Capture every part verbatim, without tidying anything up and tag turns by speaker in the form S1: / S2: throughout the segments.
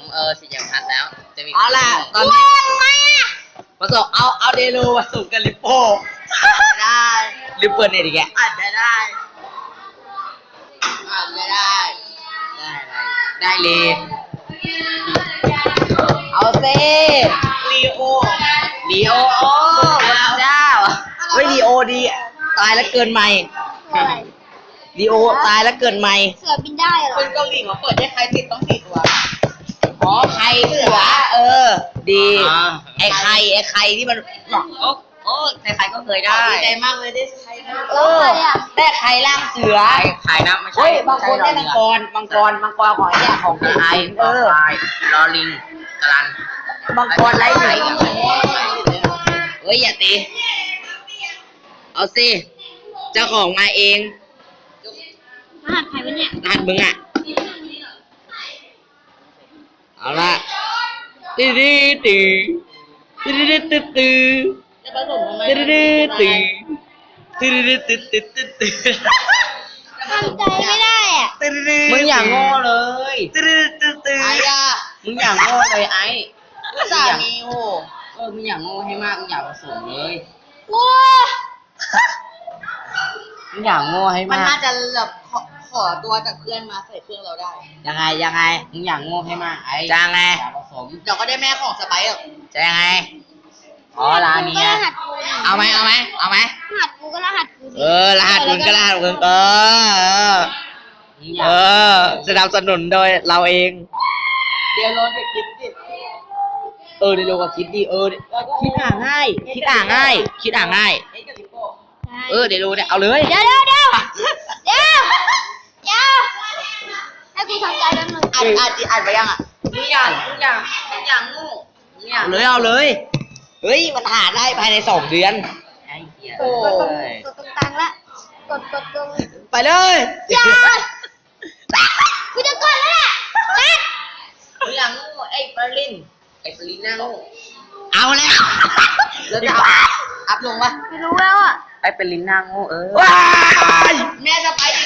S1: เออสีอย่างชัดแล้วจะมี
S2: เอาล่ะตอนนี้ผสมเอาเอาเดโลผสมกับลิปโป้ได้หรือเปิดเนี่ยดิแกอาจจะได้อาจจะได้ได้อะไรได้เลยเอาเซ่ลีโอลีโอโอ้พระเจ้าเฮ้ยลีโอดีตายแล้วเกินใหม่ลีโอตายแล้วเกินใหม่
S3: เสือบินได้เหรอ
S2: คนเกาหลีเขาเปิดให้ใครติดต้องสี่ตัวอ๋อไข่เสือเออดีไอ้ไข่ไอ้ไข่ที่มันโอ้โอ้ใครๆก็เคยได้ดีใจมากเลยได้ไข่เออได้ไข่ล่างเสือ
S1: ไข่นะไม่ใช่
S2: บางคนได้มังกรมังกรมังกรของเนี่ยของไทยเออ
S1: ลอลิงกรัน
S2: มังกรไร้ไหนเฮ้ยอย่าตีเอาสิเจ้าของมาเอง
S3: รหัสใครวะเนี่ย
S2: รหัสมึงอ่ะเอาละตีดีตีตีดีตีตีตีตีดีตีตีดีตีตีตีตี
S3: ทำใจไม่ได้อ่ะ
S2: มึงอย่างโง่เลยตีดีตีตีไอ้ยามึงอย่างโง่เลยไอ้สามีโง่เออมึงอย่างโง่ให้มากมึงอยากผสมเลย
S3: โง่
S2: มึงอย่างโง่ให้มากมันน่าจะแบบขอตัวจากเพื่อนมาใส่เครื่องเราได้ยังไงยังไงมึงอย่างโง่ให้มากไอ้จะไงอยากผสมเดี๋ยวก็ได้แม่ของสไปร์จะยังไงอ๋อร้านนี้เอาไหมเอาไหมเอาไหม
S3: รหัสกูก็รหัสกู
S2: เออรหัสมึงก็รหัสมึงเออเออสนับสนุนโดยเราเองเดี๋ยวโรนไปคิดดิเออเดี๋ยวโรนก็คิดดิเออคิดอ่านง่ายคิดอ่านง่ายคิดอ่านง่ายเออเดี๋ยวดูเนี่ยเอาเลย
S3: เดี๋ยวเดี๋ยวเดี๋ยวเดี๋ยวเดี๋ยวให้กูทำใจแป๊บนึง
S2: อ่านอ่านอ่านไปยังอ่ะมึงอย่างมึงอย่างมึงอย่างงูมึงอย่างเลยเอาเลยเฮ้ยมันหาได้ภายในสองเดือนไอ้เหี้ย
S3: โอ้ยกดตรงกลางละกดกดตรง
S2: ไปเลย
S3: อย่ากูจะกดแล้วแหละ
S2: มึงอย่างงูไอ้ปาลินไอ้ปาลินหน้างูเอาแล้วแล้วจะอัพลงปะ
S3: ไม่รู้แล้วอ่ะ
S2: ไอ้เป็นลิ้นนางโง่เออว้ายแม่จะไปดิ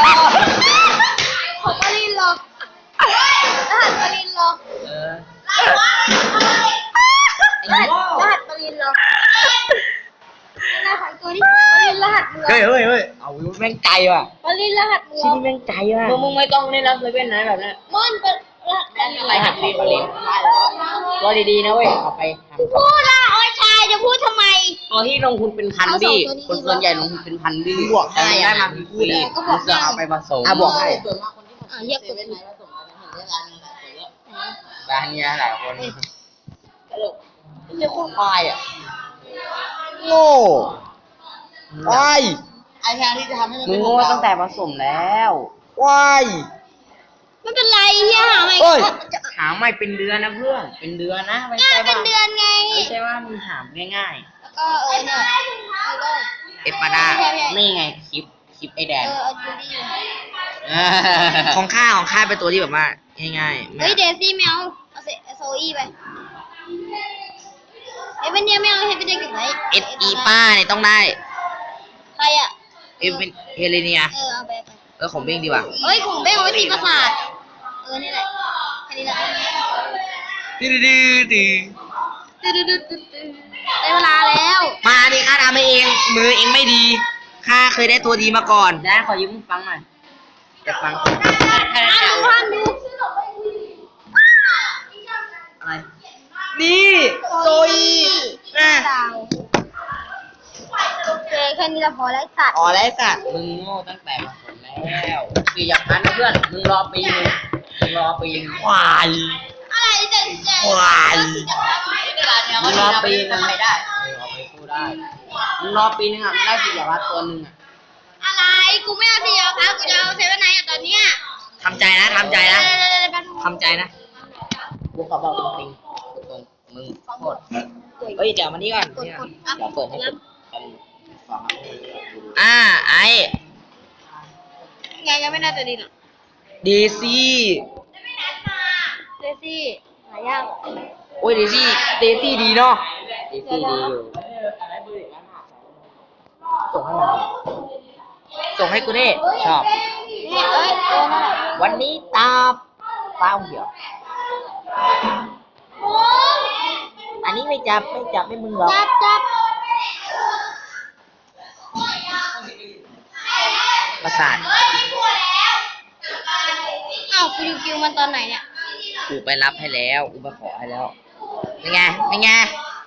S3: ของปาลินหรอกรหัสปาลินหรอก
S2: เออ
S3: รหัสรหัสปาลินหรอกรหัสตัวนี้ปาลินรหัส
S2: เฮ้ยเฮ้ยเฮ้ยเอาแม่งใจว่ะ
S3: ปาลินรหัส
S2: ชิ้นนี้แม่งใจว่ะมึงมึงไม่ต้องเล่นแล้วเลยเป็นไหนแบบนี้
S3: มันเป็นรหัส
S2: อะไรหัดดีปาลินรอดีๆนะเว้ยเอาไป
S3: พูดละโอ้ยชายจะพูดทำไม
S2: ตัวที่ลงทุนเป็นพันดิคนส่วนใหญ่ลงทุนเป็นพันดิบวกให้ได้มาฟรีก็บอกจะเอาไปผสมอ่ะบวกให้
S3: ส่วนมากคนที่ผสมเยอะกว่าไหนผสมกันเห็นได้ร้านนี้หลายคนเยอะ
S2: ร้านนี้หลายคนตลกไม่ใช่คนควายอ่ะโง่ควายไอ้แทนที่จะทำให้มันมึงโง่ตั้งแต่ผสมแล้วควาย
S3: ไม่เป็นไรเฮียหาใหม่
S2: หาใหม่เป็นเดือนนะเพื่อนเป็นเดือนนะ
S3: ไม่ใช่ว่าเป็นเดือนไง
S2: ไม่ใช่ว่ามึงหามง่าย
S3: ๆแล้วก็เออเนี่ย
S2: เอปปาดานี่ไงคลิปคลิปไอแดน
S3: เออเอาจูดี้
S2: ของข้าของข้าเป็นตัวที่แบบว่าง่าย
S3: ๆเฮ้ยเดซี่แมวเอาโซอี้ไปเอเวนเนี่ยแมวให้ไปได้กี่ไหน
S2: เอสอีป้าเนี่ยต้องได้
S3: ใครอ่ะ
S2: เอเวนเฮเลเนีย
S3: เออเอาไปไป
S2: เออของเบ้งดีกว่า
S3: เฮ้ยของเบ้งเอาไว้ตีประสาทเออนี่แหละแค่นี้แหละ
S2: ดื้อดื้อดื้อ
S3: ดื้อดื้อดื้อได้เวลาแล้ว
S2: มาดิข้าทำเองมือเองไม่ดีข้าเคยได้ตัวดีมาก่อนได้ขอยืมฟังหน่อยจะฟัง
S3: อ่านดูอ่านดู
S2: อะไรนี่โซอีนะ
S3: โอเคแค่นี้เราพอแล้วสัตว์
S2: อ๋อแล้วสัตว์มึงโง่ตั้งแต่มาผลแล้วคืออย่างนั้นนะเพื่อนมึงรอปีนึงมึงรอปีนึงควาย
S3: อะไรจะจะ
S2: ควายมึงรอปีนึงไม่ได้เอาไปพูดได้มึงรอปีนึงอ่ะมึงได้สิยาวัดตัวนึงอ่ะ
S3: อะไรกูไม่เอาสิยาวัดกูจะเอาเซเว่นไนท์ตอนเนี้ย
S2: ทำใจนะทำใจนะทำใจนะกูขอบอกจริงๆตรงมึงโคตรเฮ้ยเดี๋ยวมานี่ก่อนเดี๋ยวเปิดให้ดูอ่าไอ้
S3: ไงยังไม่น่าจะดีหรอ
S2: เดซี่
S3: เดซี่หายาก
S2: โอ้ยเดซี่เดซี่ดีเนาะเดซี่ดีอยู่ส่งให้มันส่งให้กูดิชอบวันนี้ตาเปล่าเดี๋ยวอันนี้ไม่จับไม่จับไม่มึงหรอก
S3: จับจับ
S2: ประสาท
S3: อ้าวฟิวคิวมันตอนไหนเนี่ย
S2: กูไปรับให้แล้วกูไปขอให้แล้วเป็นไงเป็นไง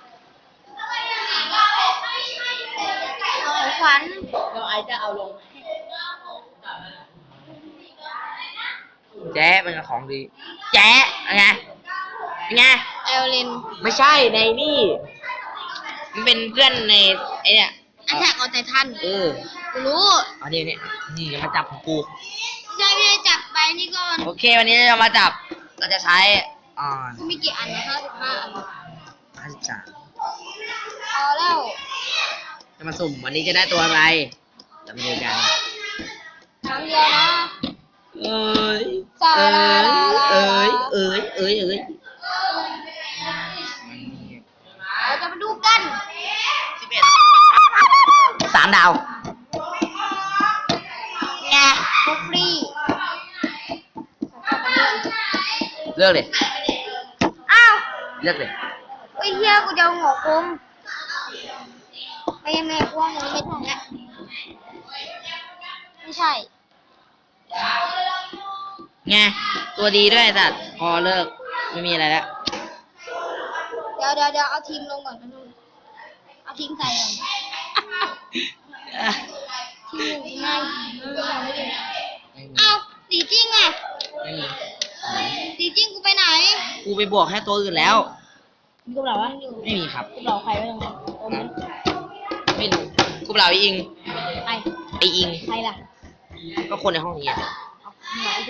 S3: ของขวัญเราไอจะเอาลง
S2: แจ๊ะเป็นของดีแจ๊ะเป็นไงเป็นไง
S3: เอลลิน
S2: ไม่ใช่ในนี่มันเป็นเพื่อนในไอเนี่ย
S3: อันแทกเอาใจทัน
S2: เออ
S3: กูรู้
S2: เอานี่นี่นี่จะมาจับของกู
S3: ใช่พี่จับไปนี่ก่อน
S2: โอเควันนี้เรามาจับเราจะใช้อ่า
S3: กูมีกี่อันนะห้าสิบห้าอัน
S2: ห้าสิบสาม
S3: พอแล้ว
S2: จะมาสุ่มวันนี้จะได้ตัวอะไรจะมาดูกัน
S3: ครั้งเดียวนะ
S2: เอ้ย
S3: สา
S2: เอ้
S3: ลาย ลาลา
S2: เอ้ยเอ้ยเอ้ยเอ้ย
S3: เราจะมาดูกัน
S2: สิบเอ็ดสามดาว
S3: ไงบุฟฟรี
S2: เลือกเลย
S3: อ้าว
S2: เลือกเลย
S3: ไอ้เหี้ยกูจะเอาหัวคุมไม่ยังไม่กว้างเลยไม่ทันแล้วไม่ใช่
S2: ไงตัวดีด้วยสัตว์พอเลิกไม่มีอะไรแล้ว
S3: เดี๋ยวเดี๋ยวเดี๋ยวเอาทีมลงก่อนนะลูกเอาทีมใส่ก่อนทีมหนึ่งทีมห้าทีมไม่ดีอ้าวสีจริงอ่ะ
S2: ไม่มี
S3: สีจริงกูไปไหน
S2: กูไปบวกแค่ตัวอื่นแล้ว
S3: มีกูเหล่าวะ
S2: ไม่มีครับ
S3: กูเหล่าใครไว้ตรงนั้นโอ้มัน
S2: ไม่รู้กูเปล่าไออิง
S3: ใคร
S2: ไออิง
S3: ใครล่ะ
S2: ก็คนในห้องนี้อะ
S3: เอาไหน